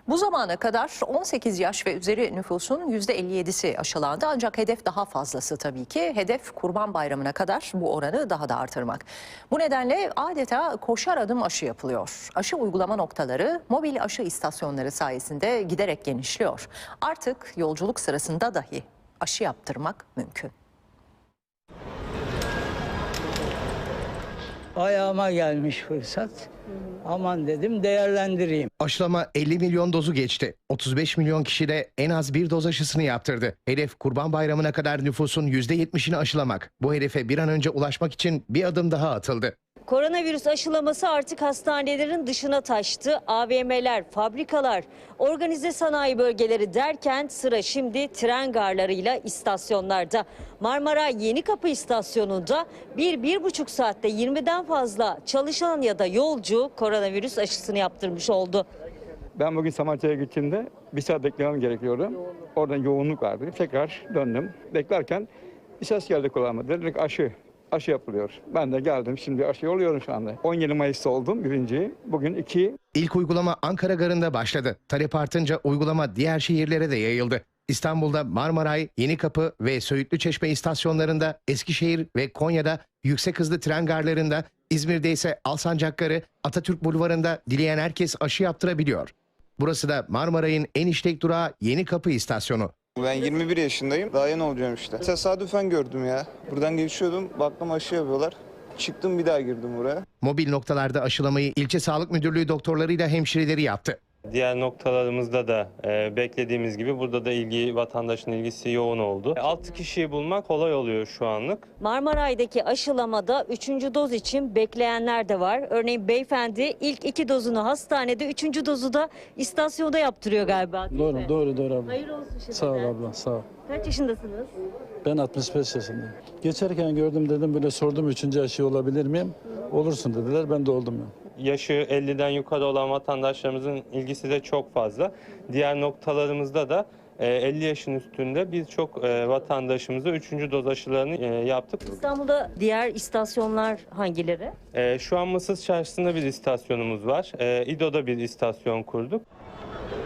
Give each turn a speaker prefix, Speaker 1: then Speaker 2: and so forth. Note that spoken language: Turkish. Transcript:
Speaker 1: Bu zamana kadar 18 yaş ve üzeri nüfusun %57'si aşılandı. Ancak hedef daha fazlası tabii ki. Hedef Kurban Bayramı'na kadar bu oranı daha da artırmak. Bu nedenle adeta koşar adım aşı yapılıyor. Aşı uygulama noktaları mobil aşı istasyonları sayesinde giderek genişliyor. Artık yolculuk sırasında dahi aşı yaptırmak mümkün.
Speaker 2: Ayağıma gelmiş fırsat. Aman dedim değerlendireyim.
Speaker 3: Aşılama 50 milyon dozu geçti. 35 milyon kişi de en az bir doz aşısını yaptırdı. Hedef Kurban Bayramı'na kadar nüfusun %70'ini aşılamak. Bu hedefe bir an önce ulaşmak için bir adım daha atıldı.
Speaker 4: Koronavirüs aşılaması artık hastanelerin dışına taştı. AVM'ler, fabrikalar, organize sanayi bölgeleri derken sıra şimdi tren garlarıyla istasyonlarda. Marmaray Yenikapı istasyonunda 1-1,5 saatte 20'den fazla çalışan ya da yolcu koronavirüs aşısını yaptırmış oldu.
Speaker 5: Ben bugün Samatya'ya gittiğimde bir saat beklemem gerekiyordu. Oradan yoğunluk vardı. Tekrar döndüm. Beklerken bir ses geldi kulağıma. Dedik aşı yapılıyor. Ben de geldim. Şimdi aşı oluyorum şu anda. 17 Mayıs'ta oldum birinciyi. Bugün 2.
Speaker 3: İlk uygulama Ankara Garı'nda başladı. Talep artınca uygulama diğer şehirlere de yayıldı. İstanbul'da Marmaray, Yenikapı ve Söğütlüçeşme istasyonlarında, Eskişehir ve Konya'da yüksek hızlı tren garlarında, İzmir'de ise Alsancak Atatürk Bulvarı'nda dileyen herkes aşı yaptırabiliyor. Burası da Marmaray'ın en işlek durağı Yenikapı istasyonu.
Speaker 6: Ben 21 yaşındayım. Daha yeni olacağım işte. Tesadüfen gördüm ya. Buradan geçiyordum. Baktım aşı yapıyorlar. Çıktım bir daha girdim buraya.
Speaker 3: Mobil noktalarda aşılamayı ilçe sağlık müdürlüğü doktorlarıyla hemşireleri yaptı.
Speaker 7: Diğer noktalarımızda da beklediğimiz gibi burada da vatandaşın ilgisi yoğun oldu. 6 kişiyi bulmak kolay oluyor şu anlık.
Speaker 4: Marmaray'daki aşılamada 3. doz için bekleyenler de var. Örneğin beyefendi ilk 2 dozunu hastanede, 3. dozu da istasyonda yaptırıyor galiba. Değil mi?
Speaker 8: Doğru abla.
Speaker 4: Hayırlı olsun şimdi.
Speaker 8: Sağ ol abla, sağ ol.
Speaker 4: Kaç yaşındasınız?
Speaker 8: Ben 65 yaşındayım. Geçerken gördüm dedim böyle sordum 3. aşı olabilir miyim? Olursun dediler, ben de oldum ya.
Speaker 7: Yaşı 50'den yukarı olan vatandaşlarımızın ilgisi de çok fazla. Diğer noktalarımızda da 50 yaşın üstünde birçok vatandaşımıza 3. doz aşılarını yaptık.
Speaker 4: İstanbul'da diğer istasyonlar hangileri?
Speaker 7: Şu an Mısır Çarşısı'nda bir istasyonumuz var. İdo'da bir istasyon kurduk.